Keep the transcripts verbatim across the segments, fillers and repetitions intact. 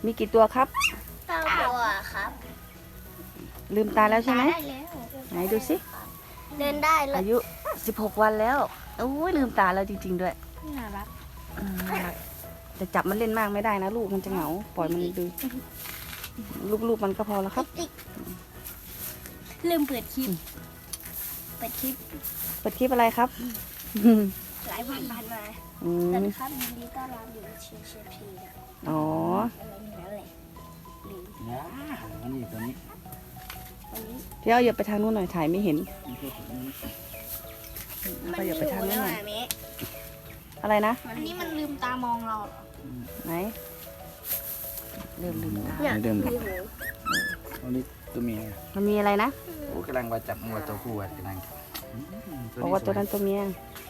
มีกี่ตัวครับเก้าตัวครับลืมตาแล้วใช่ไหมได้แล้วไหนดูสิเดินได้เลยอายุสิบหกวันแล้วโอ้ยลืมตาแล้วจริงๆด้วยน่ารักอืมน่ารักแต่จับมันเล่นมากไม่ได้นะลูกมันจะเหงาปล่อยมันดูลูกๆมันก็พอแล้วครับติ๊กลืมเปิดคลิปเปิดคลิปเปิดคลิปอะไรครับหลายวันผ่านมาอืสวัสมดีครับยินดีต้อนรับอยู่เชียร์เชียร์พีนะอ๋ออะไรอย่างนั้นเลยลืมนะอันนี้ตัวนี้วันนี้เดี๋ยวอย่าไปทางนู้นหน่อยถ่ายไม่เห็นนี่คือตัวนี้มันก็อย่าไปทางนู้นหน่อยหิวแล้วอะอะไรนะอันนี้มันลืมตามองเราเหรอไหนเริ่มลืมตาเดิมมีหูอันนี้ตัวเมียมันมีอะไรนะโอ้กำลังว่าจับงัวตัวผู้อ่ะกำลังอืมบอกว่าตัวนั้นตัวเมีย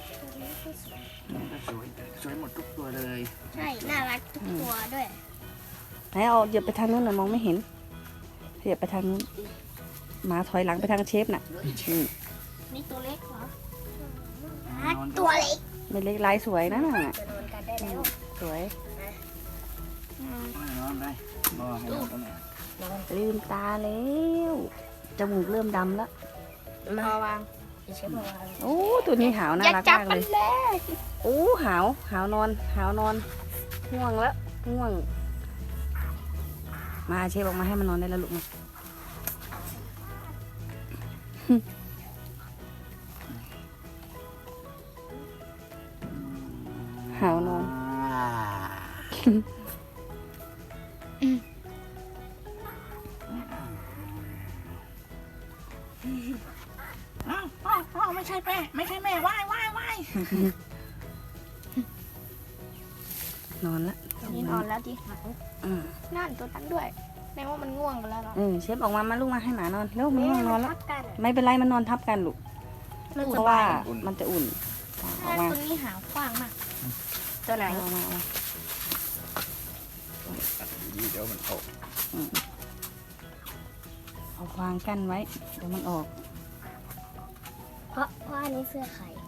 สวยสวยหมดทุกตัวเลยใช่น่ารักทุกตัวด้วยไหนเอาอย่าไปทางนู้นหน่อยมองไม่เห็นอย่าไปทางนู้นหมาถอยหลังไปทางเชฟน่ะอืมนี่ตัวเล็กเหรอตัวเล็กไม่เล็กลายสวยนะน่ะจะนอนกันได้แล้วสวยนอนได้นอนให้นอนตรงไหนลืมตาแล้วจมูกเริ่มดำแล้วมาวางเชฟมาวางโอ้ตัวนี้หาวน่าอย่ารักจับมากมัเลนยเลยโอ้หาวหาวนอนหาวนอนง่วงแล้วง่วง มาเชฟออกมาให้มันนอนได้แล้วลูกมาหาวนอนอ้าวอ้าวอ้าวไม่ใช่แม่ไม่ใช่แม่ว่ายว่ายว่ายนอนละนี่นอนแล้วที่หางอืมนั่นตัวนั้นด้วยแม้ว่ามันง่วงกันแล้วเหรอเออเชฟออกมามาลูกมาให้หมานอนแล้วมันง่วงนอนแล้วทับกันไม่เป็นไรมันนอนทับกันลูกมันเพสราะบาว่าย มันจะอุ่นออกตัวมานี้หางกว้างมาก ตัวไหนเอามาเอามาเดี๋ยวมันออกเอาควางกั้นไว้เดี๋ยวมันออกเพราะเพราะอันนี้เสื้อไข่